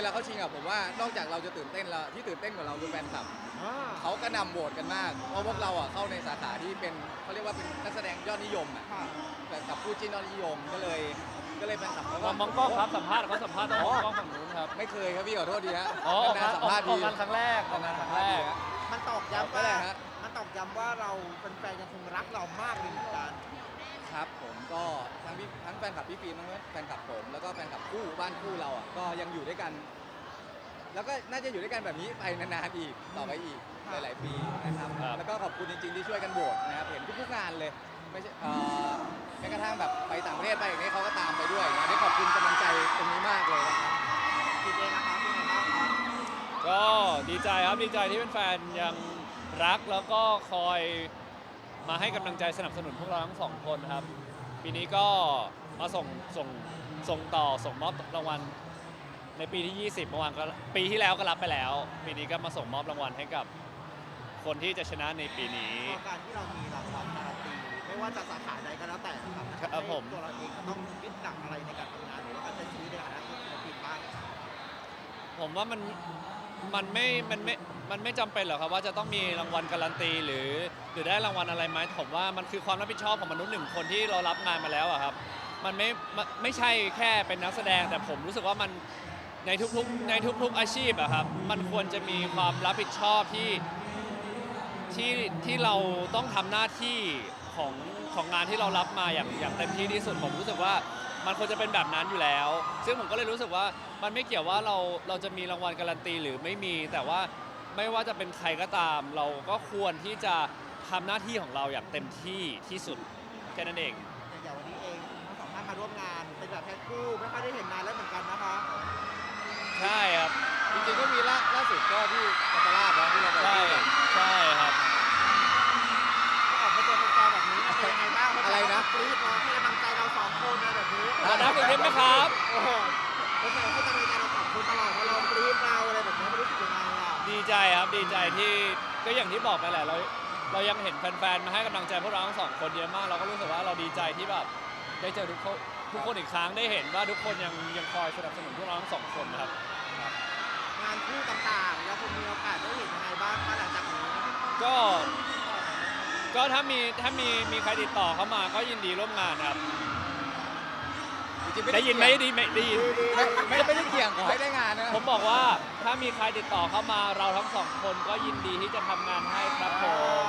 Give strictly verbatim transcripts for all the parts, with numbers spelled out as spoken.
ลาเข้าชิงอ่ะผมว่านอกจากเราจะตื่นเต้นแล้วที่ตื่นเต้นกว่าเราคือแฟนคลับอ่าเขาก็นำโหวตกันมากเพราะพวกเราอ่ะเข้าในสาขาที่เป็นเขาเรียกว่าเป็นนักแสดงยอดนิยมอ่ะค่ะแต่กับผู้จิ้นยอดนิยมก็เลยก็เลยแฟนคลับเขาก็มองกล้องครับสัมภาษณ์เขาสัมภาษณ์ต้องมองกล้องฝั่งนู้นครับไม่เคยครับพี่ขอโทษดีฮะอ๋อออกนางานนๆสัมออกภาษณ์อดีอกงานครั้งแรกออกงานครั้งแรกมันตอกย้ำก็ว่าได้ฮะมันตอกย้ำว่าเราเป็นแฟนยังคงรักเรามากเลยเหมือนกันครับผมก็ทั้งพี่ทั้งแฟนคลับพี่ฟิล์มทั้งแฟนคลับผมแล้วก็แฟนคลับคู่บ้านคู่เราอ่ะก็ยังอยู่ด้วยกัน แล้วก็น่าจะอยู่ด้วยกันแบบนี้ไปนานๆอีกต่อไปอีกหลายๆปีนะครับครับแล้วก็ขอบคุณจริงๆที่ช่วยกันโหวตนะครับเห็นทุกๆงานเลยไม่ใช่เอ่อแม้กระทั่งแบบไปต่างประเทศไปอย่างนี้เขาก็ตามไปด้วยนะได้ขอบคุณกำลังใจตรงนี้มากเลยนะครับคิดเองนะคะเป็นไงบ้างครับก็ดีใจครับดีใจที่เป็นแฟนยังรักแล้วก็คอยมาให้กำลังใจสนับสนุนพวกเราทั้งสองคนครับ ปีนี้ก็มาส่งส่งส่งต่อส่งมอบรางวัลในปีที่ ยี่สิบ เมื่อวานก็ปีที่แล้วก็รับไปแล้ว ปีนี้ก็มาส่งมอบรางวัลให้กับคนที่จะชนะในปีนี้พอการที่เรามีรางวัลการันตีไม่ว่าจะสาขาใดก็แล้วแต่นะครับครับผมตัวเราเองก็ต้องยึดหลักอะไรในการทำงานหรือว่าการใช้ชีวิตในฐานะศิลปินบ้างผมว่ามันมันไม่ มันไม่ มันไม่จำเป็นหรอกครับว่าจะต้องมีรางวัลการันตีหรือหรือได้รางวัลอะไรไหมผมว่ามันคือความรับผิดชอบของมนุษย์หนึ่งคนที่เรารับงานมาแล้วอะครับ มันไม่ไม่ไม่ใช่แค่เป็นนักแสดงแต่ผมรู้สึกว่ามันในทุกๆในทุกๆอาชีพอะครับมันควรจะมีความรับผิดชอบที่ที่ที่เราต้องทำหน้าที่ของของงานที่เรารับมาอย่างอย่างเต็มที่ที่สุดผมรู้สึกว่ามันควรจะเป็นแบบนั้นอยู่แล้ว ซึ่งผมก็เลยรู้สึกว่ามันไม่เกี่ยวว่าเราเราจะมีรางวัลการันตีหรือไม่มี แต่ว่าไม่ว่าจะเป็นใครก็ตาม เราก็ควรที่จะทำหน้าที่ของเราอย่างเต็มที่ที่สุดแค่นั้นเองอย่างวันนี้เองทั้งสองท่านมาร่วมงานเป็นแบบแพ็คคู่ไม่ค่อยได้เห็นนานแล้วเหมือนกันนะคะใช่ครับจริงๆก็มีล่าล่าสุดก็ที่กัตลาดนะที่เราไปใช่ที่ใช่ครับก็ออกมาเจอแฟนๆแบบนี้เป็นยังไงบ้างอะไรนะกรี๊ดร้องให้กำลังใจเราสองคนอะไรแบบนี้ขอน้ำอีกนิดไหมครับโอ้โหแฟนๆให้กำลังใจเราสองคนตลอดว่าเรากรี๊ดเราอะไรแบบนี้ไม่รู้สึกยังไงอ่ะดีใจครับดีใจที่ก็อย่างที่บอกไปแหละเราเรายังเห็นแฟนๆมาให้กำลังใจพวกเราทั้งสองคนเยอะมากเราก็รู้สึกว่าเราดีใจที่แบบได้เจอทุกคนทุกคนอีกครั้งได้เห็นว่าทุกคนยังยังคอยสนับสนุนพวกเราทั้งสองคนนะครับงานคู่ต่างๆเราคงมีโอกาสได้เห็นยังไงบ้างคะหลังจากนี้ก็ก็ถ้ามีถ้ามีมีใครติดต่อเข้ามาก็ยินดีร่วมงานครับจริงๆได้ยินไหมได้ยินไหมได้ยินไม่ไม่ไม่ได้เกี่ยงขอให้ได้งานนะผมบอกว่าถ้ามีใครติดต่อเข้ามาเราทั้งสองคนก็ยินดีที่จะทำงานให้ครับผม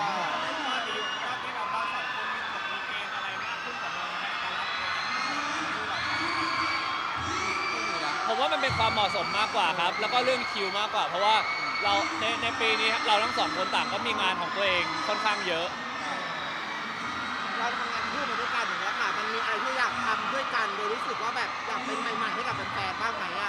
ผมว่ามันเป็นความเหมาะสมมากกว่าครับ แล้วก็เรื่องคิวมากกว่า เพราะว่าเราในในปีนี้เราทั้งสองคนต่างก็มีงานของตัวเองค่อนข้างเยอะเราทำงานคู่มาด้วยกันอย่างเงี้ยค่ะมันมีอะไรที่อยากทำด้วยกันโดยรู้สึกว่าแบบอยากเป็นใหม่ๆให้กับแฟนๆบ้างไหมอ่ะ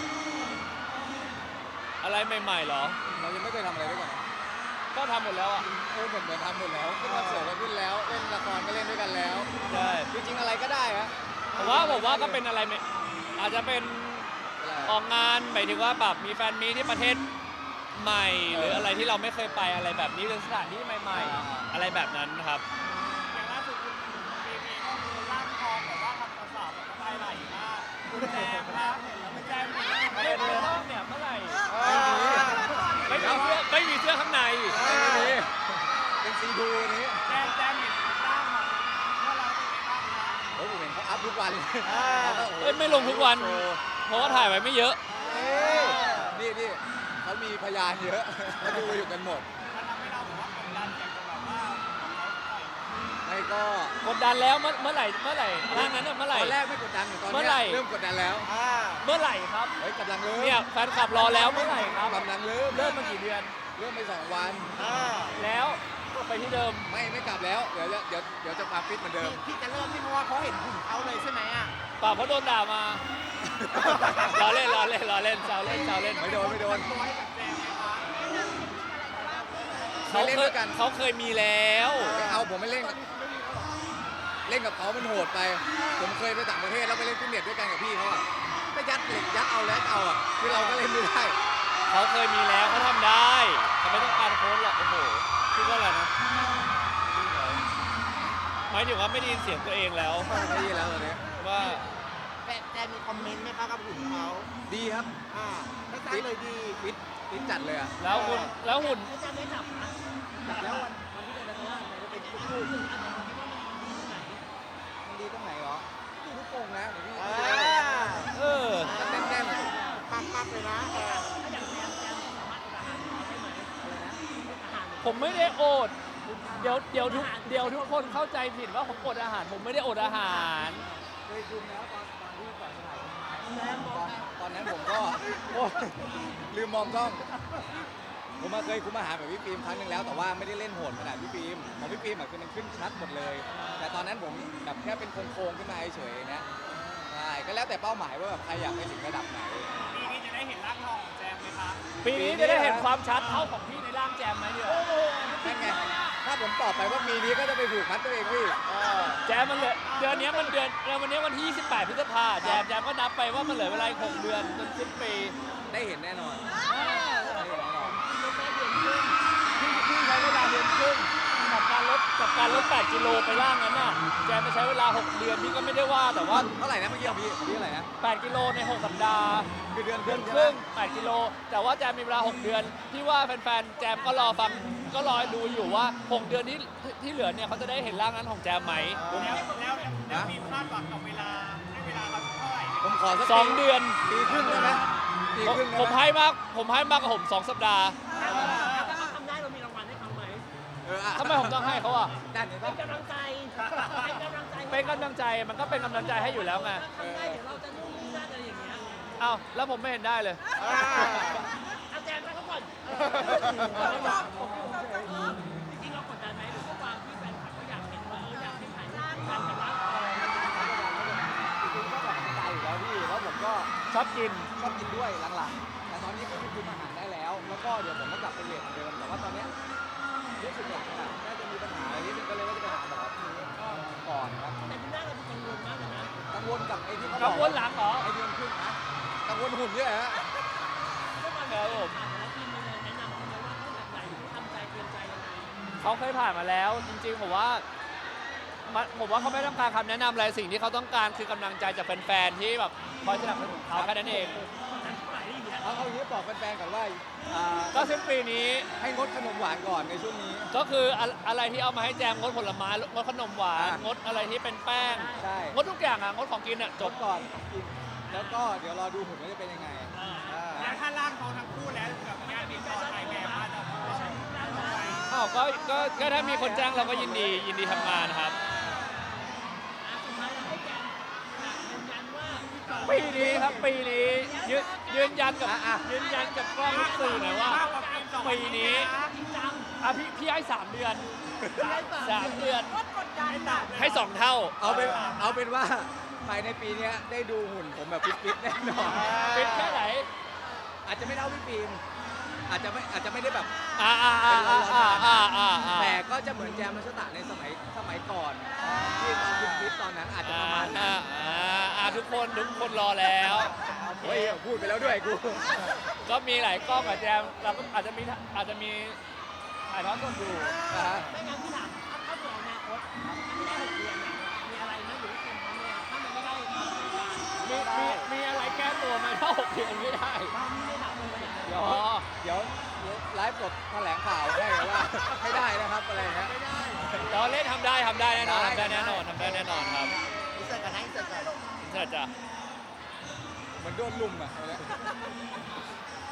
อะไรใหม่ๆเหรอเรายังไม่เคยทำอะไรด้วยกันนะก็ทำหมดแล้วอ่ะเออเหมือนเหมือนทำหมดแล้วขึ้นคอนเสิร์ตก็ขึ้นแล้วเล่นละครก็เล่นด้วยกันแล้วใช่จริงๆอะไรก็ได้ฮะผมว่าผมว่าก็เป็นอะไรใหม่อาจจะเป็นออกงานหมายถึงว่าแบบมีแฟนมีที่ประเทศใหม่ หรืออะไรที่เราไม่เคยไปอะไรแบบนี้หรือสถานที่ใหม่ๆ อะไรแบบนั้นครับอย่างล่าสุดคุณปีมีก็คือร่างทองแบบว่าทำกระสอบแบบน้ำลายไหลมากคุณแจมนะเห็นแล้วไม่แจมเลยไม่ได้รอบเนี่ยเมื่อไหร่ไม่มีไม่มีเสื้อไม่มีเสื้อข้างในไม่มีเป็นซีดูนี้แจมแจมเห็นร่างมาเมื่อเราเป็นไงบ้างคะโอ้ยผมเห็นเขาอัพทุกวันเลยเอ้ยไม่ลงทุกวันโชว์เพราะว่าถ่ายไว้ไม่เยอะเอ้ยนี่นี่เขามีพยานเยอะเขาดูอยู่กันหมดมันทำให้เราแบบว่ากดดันอยากจะแบบว่าเขาปล่อยไม่ก็กดดันแล้วเมื่อเมื่อไหร่เมื่อไหร่ร่างนั้นน่ะเมื่อไหร่ตอนแรกไม่กดดันแต่ตอนเมื่เนี้อไหร่ยเริ่มกดดันแล้วอ่าเมื่อไหร่ครับเฮ้ยกำลังเริ่มเนี่ยแฟนคลับรอแล้วเมื่อไหร่ครับกำลังเริ่มเริ่มมากี่เดือนเริ่มไปสองวันอ่าแล้วก็ไปที่เดิมไม่ไม่กลับแล้วเดี๋ยวจะเดี๋ยวเดี๋ยวจะมาฟิตเหมือนเดิมที่จะเริ่มที่เพราะว่าเขาเห็นหุ่นเขาเลยใช่ไหมอ่ะเปล่าเพราะโดนด่ามา ล้อเล่นล้อเล่นล้อเล่นแซวเล่นแซวเล่นไม่โดนไม่โดนตัวให้กับแจมไหมคะเขาเล่นเคด้วย ยกันเขาเคยมีแล้วไม่เอาผมไม่เล่นกับเล่นกับเขามันโหดไป ผมเคยไปต่างประเทศแล้วไปเล่นฟิตเนสด้วยกันกับพี่เขาอะไปยัดเหล็กยัดเอาแล้วเอาอะคือเราก็เล่นไม่ได้เขาเคยมีแล้วเขาทำได้เขาไม่ต้องการโค้ชหรอกโอ้โหคิดว่าอะไรนะหมายถึงว่าไม่ได้ยินเสียงตัวเองแล้วไม่ได้แล้วตอนนี้ว่าแฟนแจมมีคอมเมนต์ไหมคะกับหุ่นเขาดีครับอ่าไม่สั้นเลยดีฟิตฟิตจัดเลยอ่ะแล้วหุ่นแล้วหุ่นแล้วจะไม่จับนะจัดแล้ววันวันที่เป็นนักล่าเนี่ยจะเป็นคู่คู่รู้สึกอันไหนคิดว่ามันดีตรงไหนมันดีตรงไหนเหรอดูลูกโป่งนะเดี๋ยวพี่อ่าเออแน่นแน่นๆเลยปักปักๆเลยนะเออถ้าอย่างแจมแจมสามารถอดอาหารได้ไหมอะไรนะอดอาหารผมไม่ได้อด เดี๋ยวเดี๋ยวทุกเดี๋ยวทุกคนเข้าใจผิดว่าผมอดอาหาร ผมไม่ได้อดอาหารเคยคุมแล้วตอนตอนที่ก่อนถ่ายตอนตอนนั้นผมก็โอ้ยลืมมองกล้อง ผมมาเคยคุมอาหารแบบพี่ฟิล์มครั้งหนึ่งแล้วแต่ว่าไม่ได้เล่นโหดขนาดพี่ฟิล์มของพี่ฟิล์มอะคือมันขึ้นชัดหมดเลย แต่ตอนนั้นผมแบบแค่เป็นโครงๆขึ้นมาเฉยๆนะใช่ก็แล้วแต่เป้าหมายว่าแบบใครอยากไปถึงระดับไหนปีนี้จะได้เห็นร่างทองของแจมไหมคะปีนี้จะได้เห็นความชัดเท่าของพี่ในร่างแจมไหมเนี่ยนั่นไง ถ้าผมตอบไปว่ามีนี้ก็จะไปผูกมัดตัวเองพี่แจมมันเหลือเดือนนี้มันเดือนเดือนวันนี้วันที่ยี่สิบแปดพฤษภาแจมแจมก็นับไปว่ามันเหลือเวลาอีกหกเดือนจนสิ้นปีได้เห็นแน่นอนอ่าได้เห็นแน่นอนพี่พี่ใช้เวลาเดือนครึ่งกับการลดกับการลดแปดกิโลไปล่างนั้นน่ะแจมไปใช้เวลาหกเดือนพี่ก็ไม่ได้ว่าแต่ว่าเท่าไหร่นะเมื่อกี้ของพี่ของพี่เท่าไหร่นะแปดกิโลในหกสัปดาห์คือเดือนเดือนคใช่รึ่งไหมแปดกิโลแต่ว่าแจมมีเวลาหกเดือนพี่ว่าแฟนๆแจมก็รอฟังก็รอดูอยู่ว่าหกเดือนที่ที่เหลือเนี่ยเขาจะได้เห็นร่างนั้นของแจมไหมแล้วแล้วแล้วมีคาดหวังกับเวลาให้เวลาเราเท่าไหร่ผมขอสักสองปีเดือนปีครึ่งได้ไหมปีผมครึ่งได้ผมไหมให้มากผมให้มากกว่าผมสองสัปดาห์ถ้าเขาทำได้เรามีรางวัลให้เขาไหมเอออ่ะทำไมผมต้องให้เขาอ่ะด้านนี้เป็ป่ะนกำลังใจเป็นกำลังใจเป็นกำลังใจมันก็เป็นกำลังใจให้อยู่แล้วไงทำได้เดี๋ยวเราจะนู่นนี่นั่นอะไรอย่างเงี้ยเอ้าแล้วผมไม่เห็นได้เลยอ่าเอาแจมไปเขาก่อนจริงๆเรากดดันไหมหรือว่าความที่แฟนคลับก็อยากเห็นว่าเอออยากให้ถ่ายรูปกันกับร่างทองจริงๆก็แบบสไตล์อยู่แล้วพี่แล้วผมก็ชอบกินชอบกินด้วยหลังๆ แต่ตอนนี้ก็คือคุมอาหารได้แล้ว แล้วก็เดี๋ยวผมก็กลับไปเรียนเหมือนเดิม แต่ว่าตอนเนี้ยรู้สึกหลังอ่ะน่าจะมีปัญหาอะไรนิดนึงก็เลยว่าจะไปหาหมอทีนี้ก่อนครับแต่คุณหน้าเราดูกังวลมากเลยนะกังวลกับไอ้ที่เขาบกัอง กวลหลังเหรอไอ้เดือนครึ่งนะกังวลหุ่นด้วยฮะก็ตอนนี้ผ่านมาแล้วทีมมีแนะนำเขาไหมว่าเขาแบบไหนทำใจเตรียมใจยังไงเขาเคยผ่านมาแล้ว จริงๆผมว่ามันผมว่าเขาไม่ต้องการคำแนะนำอะไรสิ่งที่เขาต้องการคือกำลังใจจากแฟนๆที่แบบคอยสนับสนุนเขาแค่นั้นเองเอาเอาอย่างนี้บอกแฟนๆก่อนว่าอ่าก็สิ้นปีนี้ให้งดขนมหวานก่อนในช่วงนี้ก็คืออะอะไรที่เอามาให้แจมงดผลไม้งดขนมหวานอ่ะงดอะไรที่เป็นแป้งใช่งดทุกอย่างอ่ะงดของกินอ่ะจจบบก่อนกิน แล้วก็เดี๋ยวรอดูหุ่นว่าจะเป็นยังไงอ่าแล้วถ้าร่างทองทั้งคู่แล้วแบบงานติดต่อถ่ายแบบมาจะไม่ใช่ร่างทองไปอ้าวก็ก็ก็ถ้ามีคนจ้างเราก็ยินดียินดีทำงานครับสุดท้ายเราให้แจมยืนยันว่าปีนี้ครับปีนี้ยืนยืนยันกับอ่ะอ่ะยืนยันกับกล้องสื่อหน่อยว่ามากกว่าฟิล์มสองปีนี้จริงจังอ่ะพี่พี่ให้สามเดือนสามเดือนก็กดดันอะให้สองเท่าเอาเป็นเอาเป็นว่าภายในปีเนี้ยได้ดูหุ่นผมแบบฟิตๆแน่นอนฟิตแค่ไหนอาจจะไม่เท่าพี่ฟิล์มอาจจะไม่อาจจะไม่ได้แบบอ่าอ่าอ่าอ่าอ่าอ่าอ่าอ่าแต่ก็จะเหมือนแจมมัชตะในสมัยสมัยก่อนที่ตอนคุณฟิตตอนนั้นอาจจะประมาณนั้นอ่าอ่าอ่าทุกคนทุกคนรอแล้วเฮ้ยพูดไปแล้วด้วยกูก็มีหลายกล้องอะแจมเราก็อาจจะมีอาจจะมีถ่ายทอดสดอยู่อ่าฮะไม่งั้นพี่ถามถ้าถ้าเผื่ออนาคตไม่ได้หกเดือนเนี่ยมีอะไรไหมหรือว่าเตรียมพร้อมเลยถ้ามันไม่ได้ทำรายการมีมีมีอะไรแก้ตัวไหมถ้าหกเดือนไม่ได้ถ้าไม่ได้ทำเลยเนี่ยเดี๋ยวเดี๋ยวเดี๋ยวไลฟ์สดแถลงข่าวให้ว่าให้ได้นะครับอะไรนะเราเล่นทำได้ทำได้แน่นอนได้ทำได้แน่นอนทำได้แน่นอนครับอินเสิร์ตกันนะอินเสิร์ตกันใช่จ้ะเหมือนโดนลุมอ่ะอะไรนะ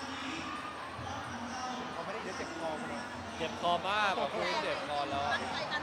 เขาไม่ได้เดี๋ยวเจ็บคอมาเลยเจ็บคอมากแบบคุยเจ็บคอแล้วอะตั้งใจ